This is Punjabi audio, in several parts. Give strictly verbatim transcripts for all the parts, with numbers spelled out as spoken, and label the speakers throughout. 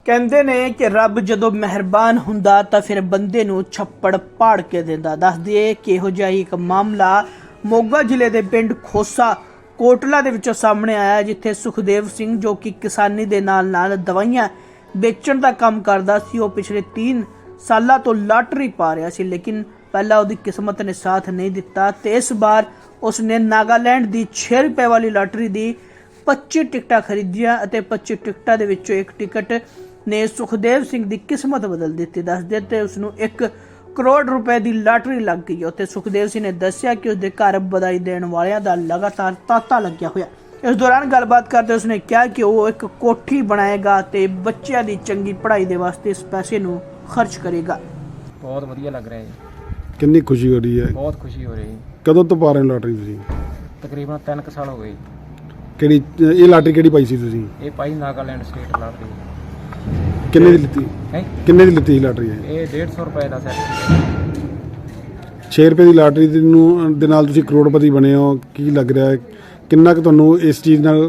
Speaker 1: ਕਹਿੰਦੇ ਨੇ ਕਿ ਰੱਬ ਜਦੋਂ ਮਿਹਰਬਾਨ ਹੁੰਦਾ ਤਾਂ ਫਿਰ ਬੰਦੇ ਨੂੰ ਛੱਪੜ ਪਾੜ ਕੇ ਦਿੰਦਾ। ਦੱਸ ਦਈਏ ਕਿ ਇਹੋ ਜਿਹਾ ਹੀ ਇੱਕ ਮਾਮਲਾ ਮੋਗਾ ਜ਼ਿਲ੍ਹੇ ਦੇ ਪਿੰਡ ਖੋਸਾ ਕੋਟਲਾ ਦੇ ਵਿੱਚੋਂ ਸਾਹਮਣੇ ਆਇਆ, ਜਿੱਥੇ ਸੁਖਦੇਵ ਸਿੰਘ ਜੋ ਕਿ ਕਿਸਾਨੀ ਦੇ ਨਾਲ ਨਾਲ ਦਵਾਈਆਂ ਵੇਚਣ ਦਾ ਕੰਮ ਕਰਦਾ ਸੀ, ਉਹ ਪਿਛਲੇ तीन ਸਾਲਾਂ ਤੋਂ ਲਾਟਰੀ ਪਾ ਰਿਹਾ ਸੀ। ਲੇਕਿਨ ਪਹਿਲਾਂ ਉਹਦੀ ਕਿਸਮਤ ਨੇ ਸਾਥ ਨਹੀਂ ਦਿੱਤਾ ਤੇ ਇਸ ਵਾਰ ਉਸਨੇ ਨਾਗਾਲੈਂਡ ਦੀ छे रुपए वाली ਲਾਟਰੀ ਦੀ पच्चीस ਟਿਕਟਾਂ ਖਰੀਦੀਆਂ ਅਤੇ पच्चीस ਟਿਕਟਾਂ ਦੇ ਵਿੱਚੋਂ ਇੱਕ ਟਿਕਟ ਨੇ ਸੁਖਦੇਵ ਸਿੰਘ ਦੀ ਕਿਸਮਤ ਬਦਲ ਦਿੱਤੀ। ਦੱਸਦੇ ਤੇ ਉਸ ਨੂੰ एक करोड़ रुपए ਦੀ ਲਾਟਰੀ ਲੱਗ ਗਈ। ਉੱਥੇ ਸੁਖਦੇਵ ਸਿੰਘ ਨੇ ਦੱਸਿਆ ਕਿ ਉਸਦੇ ਘਰ ਵਧਾਈ ਦੇਣ ਵਾਲਿਆਂ ਦਾ ਲਗਾਤਾਰ ਤਾਂਤਾ ਲੱਗਿਆ ਹੋਇਆ। ਇਸ ਦੌਰਾਨ ਗੱਲਬਾਤ ਕਰਦੇ ਉਸਨੇ ਕਿਹਾ ਕਿ ਉਹ ਇੱਕ ਕੋਠੀ ਬਣਾਏਗਾ ਤੇ ਬੱਚਿਆਂ ਦੀ ਚੰਗੀ ਪੜ੍ਹਾਈ ਦੇ ਵਾਸਤੇ ਇਸ ਪੈਸੇ ਨੂੰ ਖਰਚ ਕਰੇਗਾ।
Speaker 2: ਬਹੁਤ ਵਧੀਆ ਲੱਗ ਰਿਹਾ ਜੀ।
Speaker 3: ਕਿੰਨੀ ਖੁਸ਼ੀ ਹੋ ਰਹੀ ਹੈ?
Speaker 2: ਬਹੁਤ ਖੁਸ਼ੀ ਹੋ ਰਹੀ ਹੈ।
Speaker 3: ਕਦੋਂ ਤੋਂ ਪਾ ਰਹੇ ਹੋ ਲਾਟਰੀ ਤੁਸੀਂ?
Speaker 2: ਤਕਰੀਬਨ ਤਿੰਨ ਕੁ ਸਾਲ ਹੋ ਗਏ।
Speaker 3: ਕਿਹੜੀ ਇਹ ਲਾਟਰੀ ਕਿਹੜੀ ਪਾਈ ਸੀ ਤੁਸੀਂ?
Speaker 2: ਇਹ ਪਾਈ ਨਾਗਾਲੈਂਡ ਸਟੇਟ ਲਾਟਰੀ।
Speaker 3: ਕਿੰਨੇ ਦੀ ਲਿੱਤੀ?
Speaker 2: ਹੈ
Speaker 3: ਕਿੰਨੇ ਦੀ ਲਿੱਤੀ ਸੀ ਲਾਟਰੀ? ਇਹ
Speaker 2: ਇਹ डेढ़ सौ ਰੁਪਏ ਦਾ ਸੈੱਟ ਸੀ।
Speaker 3: छे रुपए ਦੀ ਲਾਟਰੀ ਦੇ ਨੂੰ ਦੇ ਨਾਲ ਤੁਸੀਂ ਕਰੋੜਪਤੀ ਬਣੇ ਹੋ। ਕੀ ਲੱਗ ਰਿਹਾ ਹੈ, ਕਿੰਨਾ ਕੁ ਤੁਹਾਨੂੰ ਇਸ ਚੀਜ਼ ਨਾਲ?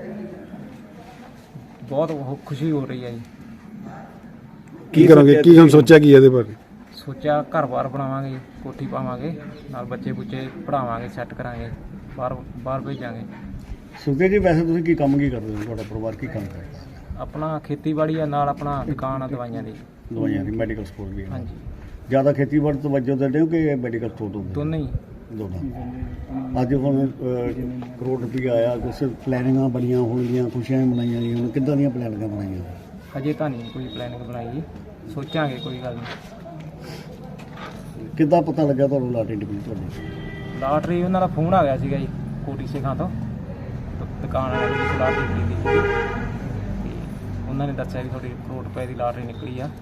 Speaker 2: ਬਹੁਤ ਉਹ ਖੁਸ਼ੀ ਹੋ ਰਹੀ ਹੈ ਜੀ।
Speaker 3: ਕੀ ਕਰੋਗੇ? ਕੀ ਹੁਣ ਸੋਚਿਆ ਕੀ ਇਹਦੇ ਬਾਰੇ?
Speaker 2: ਸੋਚਿਆ ਘਰ-ਬਾਰ ਬਣਾਵਾਂਗੇ, ਕੋਠੀ ਪਾਵਾਂਗੇ, ਨਾਲ ਬੱਚੇ-ਬੁੱਚੇ ਪੜਾਵਾਂਗੇ, ਸੈੱਟ ਕਰਾਂਗੇ, ਬਾਹਰ ਬਾਹਰ ਭੇਜਾਂਗੇ।
Speaker 4: ਸੁਖਦੇਵ ਜੀ, ਵੈਸੇ ਤੁਸੀਂ ਕੀ ਕੰਮ ਕੀ ਕਰਦੇ ਹੋ? ਤੁਹਾਡਾ ਪਰਿਵਾਰ ਕੀ ਕੰਮ ਕਰਦਾ?
Speaker 2: ਆਪਣਾ ਖੇਤੀਬਾੜੀ ਆ, ਨਾਲ ਆਪਣਾ ਦੁਕਾਨ ਆ ਦਵਾਈਆਂ ਦੀ।
Speaker 4: ਦਵਾਈਆਂ ਦੀ ਮੈਡੀਕਲ ਸਟੋਰ ਵੀ ਹੈ।
Speaker 2: ਹਾਂਜੀ,
Speaker 4: ਜ਼ਿਆਦਾ ਖੇਤੀਬਾੜੀ ਤੋਂ ਵਜੋਂ ਦਿੰਦੇ ਹੋ ਕਿ ਮੈਡੀਕਲ ਸਟੋਰ ਤੋਂ?
Speaker 2: ਦੋਨੇ ਹੀ।
Speaker 4: ਦੋਨਾਂ। ਅੱਜ ਹੁਣ ਅਹ, ਕਰੋੜ ਰੁਪਈਆ ਆਇਆ, ਕੁਛ ਪਲੈਨਿੰਗਾਂ ਬਣੀਆਂ ਹੋਣਗੀਆਂ, ਖੁਸ਼ੀਆਂ ਮਨਾਈਆਂ ਗਈਆਂ, ਹੁਣ ਕਿੱਦਾਂ ਦੀਆਂ ਪਲੈਨਿੰਗਾਂ ਬਣਾਈਆਂ?
Speaker 2: ਹਜੇ ਤਾਂ ਨਹੀਂ ਕੋਈ ਪਲੈਨਿੰਗ ਬਣਾਈ ਜੀ, ਸੋਚਾਂਗੇ, ਕੋਈ ਗੱਲ ਨਹੀਂ।
Speaker 4: ਕਿੱਦਾਂ ਪਤਾ ਲੱਗਾ ਤੁਹਾਨੂੰ ਲਾਟਰੀ ਨਿਕਲੀ ਤੁਹਾਡੀ?
Speaker 2: ਲਾਟਰੀ ਉਹਨਾਂ ਦਾ ਫੋਨ ਆ ਗਿਆ ਸੀਗਾ ਜੀ, ਕੋਟੀ ਸਿੰਘਾਂ ਤੋਂ, ਦੁਕਾਨ ਵਾਲੇ ਦੀ ਲਾਟਰੀ ਖਰੀਦੀ ਸੀ। ਤੇ ਉਹਨਾਂ ਨੇ ਦੱਸਿਆ ਵੀ ਤੁਹਾਡੀ ਕਰੋੜ ਰੁਪਏ ਦੀ ਲਾਟਰੀ ਨਿਕਲੀ ਆ।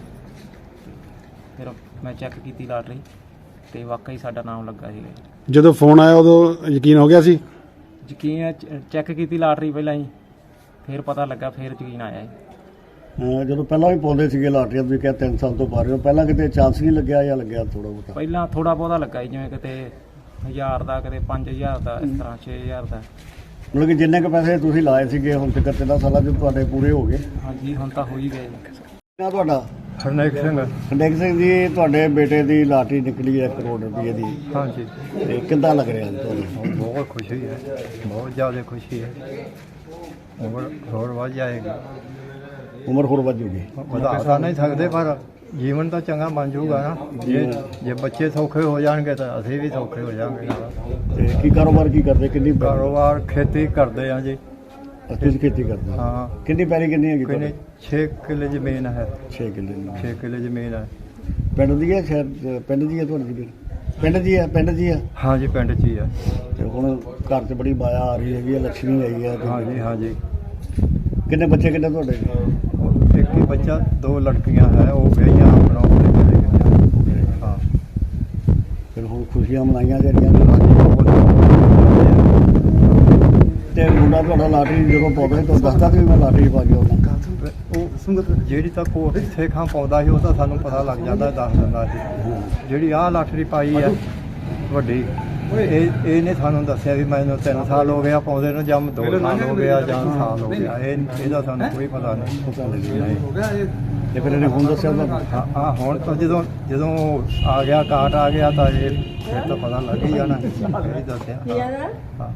Speaker 2: ਫਿਰ ਮੈਂ ਚੈੱਕ ਕੀਤੀ ਲਾਟਰੀ ਤੇ ਵਾਕਈ ਸਾਡਾ ਨਾਮ ਲੱਗਾ ਸੀਗਾ ਜੀ।
Speaker 3: ਜਦੋਂ ਫੋਨ ਆਇਆ ਉਦੋਂ ਯਕੀਨ ਹੋ ਗਿਆ ਸੀ?
Speaker 2: ਯਕੀਨ ਚੈੱਕ ਕੀਤੀ ਲਾਟਰੀ ਪਹਿਲਾਂ ਹੀ, ਫਿਰ ਪਤਾ ਲੱਗਾ, ਫਿਰ ਯਕੀਨ ਆਇਆ ਜੀ।
Speaker 4: ਅਹ, ਜਦੋਂ ਪਹਿਲਾਂ ਵੀ ਪਾਉਂਦੇ ਸੀਗੇ ਲਾਟਰੀਆਂ, ਤੁਸੀਂ ਕਿਹਾ ਤਿੰਨ ਸਾਲ ਤੋਂ ਪਾ ਰਹੇ ਹੋ, ਪਹਿਲਾਂ ਕਿਤੇ ਚਾਂਸ ਨਹੀਂ ਲੱਗਿਆ ਜਾਂ ਲੱਗਿਆ ਥੋੜਾ ਬਹੁਤਾ?
Speaker 2: ਪਹਿਲਾਂ ਥੋੜਾ ਬਹੁਤਾ ਲੱਗਾ ਜੀ, ਜਿਵੇਂ ਕਿਤੇ ਹਜ਼ਾਰ ਦਾ, ਕਿਤੇ ਪੰਜ ਹਜ਼ਾਰ ਦਾ, ਇਸ ਤਰ੍ਹਾਂ ਛੇ ਹਜ਼ਾਰ ਦਾ।
Speaker 4: ਮਤਲਬ ਕਿ ਜਿੰਨੇ ਕੁ ਪੈਸੇ ਤੁਸੀਂ ਲਾਏ ਸੀਗੇ ਹੁਣ ਤੱਕ ਤਿੰਨਾਂ ਸਾਲਾਂ 'ਚ ਤੁਹਾਡੇ ਪੂਰੇ ਹੋ ਗਏ?
Speaker 2: ਹਾਂਜੀ, ਹੁਣ ਤਾਂ ਹੋ ਹੀ ਗਏ ਜੀ।
Speaker 4: ਨਾ ਤੁਹਾਡਾ?
Speaker 5: ਹਰਨੇਕ ਸਿੰਘ।
Speaker 4: ਹਰਨੇਕ ਸਿੰਘ ਜੀ, ਤੁਹਾਡੇ ਬੇਟੇ ਦੀ ਲਾਟਰੀ ਨਿਕਲੀ ਹੈ ਕਰੋੜ ਰੁਪਏ ਦੀ।
Speaker 5: ਹਾਂਜੀ,
Speaker 4: ਤੇ ਕਿੱਦਾਂ ਲੱਗ ਰਿਹਾ ਤੁਹਾਨੂੰ?
Speaker 5: ਬਹੁਤ ਖੁਸ਼ੀ ਹੈ, ਬਹੁਤ ਜ਼ਿਆਦਾ ਖੁਸ਼ੀ ਹੈ। ਉਮਰ ਹੋਰ ਵੱਧ ਜਾਏਗੀ।
Speaker 4: ਉਮਰ ਹੋਰ ਵੱਧ ਜੂਗੀ?
Speaker 5: ਵਧਾ ਤਾਂ ਨਹੀਂ ਸਕਦੇ, ਪਰ ਜੀਵਨ ਤਾਂ ਚੰਗਾ ਬਣ ਜਾਊਗਾ ਨਾ। ਜੇ ਜੇ ਬੱਚੇ ਸੌਖੇ ਹੋ ਜਾਣਗੇ ਤਾਂ ਅਸੀਂ ਵੀ ਸੌਖੇ ਹੋ ਜਾਵਾਂਗੇ ਨਾਲ।
Speaker 4: ਤੇ ਕੀ ਕਾਰੋਬਾਰ ਕੀ ਕਰਦੇ? ਕਿੰਨੀ ਪੈਲੀ?
Speaker 5: ਕਾਰੋਬਾਰ ਖੇਤੀ ਕਰਦੇ ਆ ਜੀ।
Speaker 4: ਤੁਸੀਂ ਖੇਤੀ ਕਰਦੇ ਹੋ?
Speaker 5: ਹਾਂ।
Speaker 4: ਕਿੰਨੀ ਪੈਲੀ ਕਿੰਨੀ ਹੈਗੀ
Speaker 5: ਕਿੰਨੇ?
Speaker 4: ਤੁਹਾਡੀ?
Speaker 5: ਛੇ ਕਿੱਲੇ ਜ਼ਮੀਨ ਹੈ।
Speaker 4: ਛੇ ਕਿੱਲੇ ਦੀ।
Speaker 5: ਛੇ ਕਿੱਲੇ ਜ਼ਮੀਨ ਹੈ।
Speaker 4: ਪਿੰਡ ਦੀ ਹੈ? ਸ਼ਹਿਰ ਪਿੰਡ ਦੀ ਹੈ ਤੁਹਾਡੀ ਜ਼ਮੀਨ? ਪਿੰਡ ਦੀ ਹੈ? ਪਿੰਡ ਦੀ ਹੈ।
Speaker 5: ਹਾਂਜੀ, ਪਿੰਡ 'ਚ ਹੀ ਹੈ।
Speaker 4: ਤੇ ਹੁਣ ਘਰ 'ਚ ਬੜੀ ਮਾਇਆ ਆ ਰਹੀ ਹੈਗੀ ਹੈ, ਲక్ష్ਮੀ ਆਈ ਹੈ।
Speaker 5: ਹਾਂਜੀ ਹਾਂਜੀ।
Speaker 4: ਕਿੰਨੇ ਬੱਚੇ ਕਿੰਨੇ ਤੁਹਾਡੇ?
Speaker 5: ਇੱਕ ਹੀ ਬੱਚਾ, ਦੋ ਲੜਕੀਆਂ ਹੈ, ਉਹ ਵਿਆਹੀਆਂ ਆਪਣਾ ਆਪਣੇ ਘਰੇ ਗਈਆਂ। ਹਾਂ।
Speaker 4: ਫਿਰ ਹੁਣ ਖੁਸ਼ੀਆਂ ਮਨਾਈਆਂ ਜਿਹੜੀਆਂ। ਤੇ ਮੁੰਡਾ ਤੁਹਾਡਾ ਲਾਟਰੀ ਜਦੋਂ ਪਾਉਂਦਾ ਸੀ ਤੁਹਾਨੂੰ ਦੱਸਦਾ ਸੀ ਵੀ ਮੈਂ ਲਾਟਰੀ ਪਾ ਗਿਆ ਉਹਨਾਂ?
Speaker 5: ਉਹ ਜਿਹੜੀ ਤਾਂ ਕੋਟ ਸੇਖਾਂ ਪਾਉਂਦਾ ਸੀ ਉਹ ਤਾਂ ਸਾਨੂੰ ਪਤਾ ਲੱਗ ਜਾਂਦਾ, ਦੱਸ ਦਿੰਦਾ ਸੀ। ਜਿਹੜੀ ਆਹ ਲਾਟਰੀ ਪਾਈ ਹੈ ਵੱਡੀ, ਇਹ ਇਹਨੇ ਸਾਨੂੰ ਦੱਸਿਆ ਵੀ ਮੈਨੂੰ ਤਿੰਨ ਸਾਲ ਹੋ ਗਿਆ ਪਾਉਂਦੇ ਨੂੰ, ਜਾਂ ਦੋ ਸਾਲ ਹੋ ਗਿਆ, ਜਾਂ ਸਾਲ ਹੋ ਗਿਆ। ਇਹ ਇਹਦਾ ਸਾਨੂੰ ਕੋਈ ਪਤਾ ਨਹੀਂ।
Speaker 4: ਪਤਾ ਨਹੀਂ। ਤੇ ਫਿਰ ਇਹਨੇ ਹੁਣ ਦੱਸਿਆ ਤੁਹਾਨੂੰ?
Speaker 5: ਹਾਂ ਹਾਂ, ਹੁਣ ਤਾਂ ਜਦੋਂ ਜਦੋਂ ਆ ਗਿਆ, ਕਾਰਡ ਆ ਗਿਆ ਤਾਂ ਇਹ ਫਿਰ ਤਾਂ ਪਤਾ ਲੱਗ ਹੀ ਜਾਣਾ। ਇਹ ਦੱਸਿਆ। ਹਾਂ।